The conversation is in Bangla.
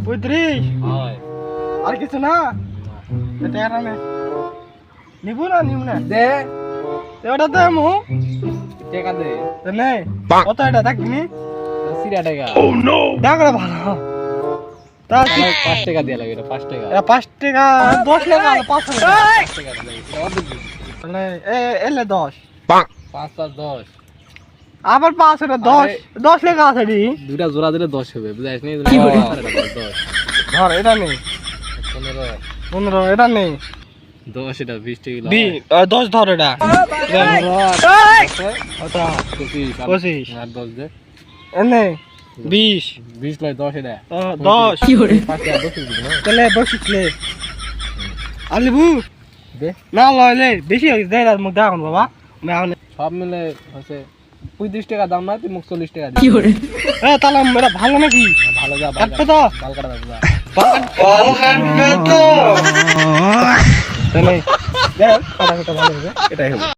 35 হয় আর কিছু না এটা আর না নিবো না নিব না দে ওটা দে মু টাকা দে নে কত এটা দেখনি সিরা টাকা দেখলে ভালো তা 5 টাকা দিয়া লাগে এটা 5 টাকা 5 টাকা 10 টাকা 5 টাকা 5 টাকা লাগে এটা অর্ধেক মানে এলে 10 5 5 10 আবার 5 এটা 10 টাকা আছে দি দুইটা জোড়া দিলে 10 হবে বুঝাইছ নি 10 ধর এটা নেই 15 এটা নেই 10 এটা 20 টাকা 10 ধর এটা 25 আর 10 দে এনে 20 20 লয় 10 এটা 10 কি করে 5 টাকা 10 দিবি না তাহলে 25 লে আলিবু দে না লইলে বেশি হইছে দে আর মুখ দাও বাবা আমি এখন সব মিলে হচ্ছে 35 টাকা দাম না তুই মুখ 40 টাকা কি করে তাহলে এটা ভালো নাকি ভালো যা কাটবে তো বাল কাটা দাও যা বাল কাটবে তো তাহলে দেখ কাটা ভালো হবে এটাই হবে